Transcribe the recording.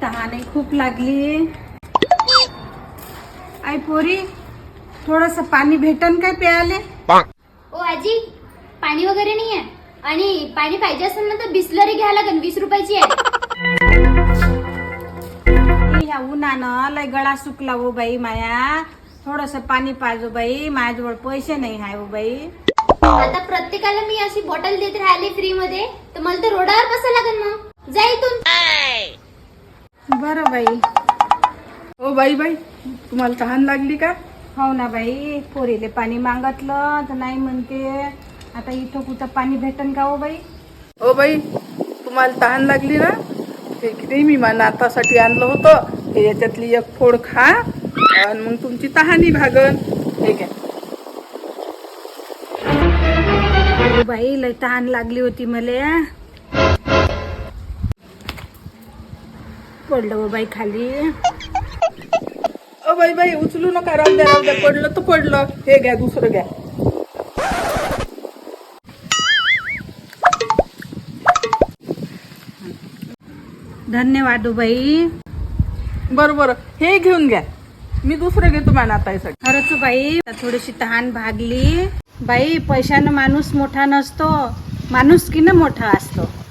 तहानही खूप लागली. आई पोरी, थोडस पाणी भेटन काय प्यायले? ओ आजी, पाणी वगैरे नाही आहे. आणि पाणी पाहिजे असेल ना तर बिस्लरी घ्या लागेल, 20 रुपयाची आहे. ह्या उन्हानं लय गळा सुकला हो बाई माया. थोडस पाणी पाहिजे बाई, माझ्याजवळ पैसे नाही हाय हो बाई. आता प्रत्येकाला मी अशी बॉटल देत राहिले फ्री मध्ये, तर मला तर रोडावर बसायला लागेल. मग जा इथून. बरं बाई. ओ बाई बाई, तुम्हाला तहान लागली का? हो ना बाई, पोरीले पाणी मागितलं तर नाही म्हणते. आता इथं कुठं पाणी भेटन का हो बाई? ओ बाई, तुम्हाला तहान लागली ना? हे की नाही, मी नातासाठी आणलं होतं. हे याच्यातली एक फोड खा आणि मग तुमची तहानी भागन. हे घ्या. हो बाई, लय तहान लागली होती मला. पडलं हो बाई खाली. ओ बाई बाई, उचलू नका, राहू द्या, पडलं तर पडलं. हे घ्या, दुसरं घ्या. धन्यवाद हो बाई. बरं बरं, हे घेऊन घ्या. मी दुसरं घेतो माझ्या नातासाठी. खरंच हो बाई, थोडीशी तहान भागली. बाई, पैशानं माणूस मोठा नसतो, माणुसकीनं मोठा असतो.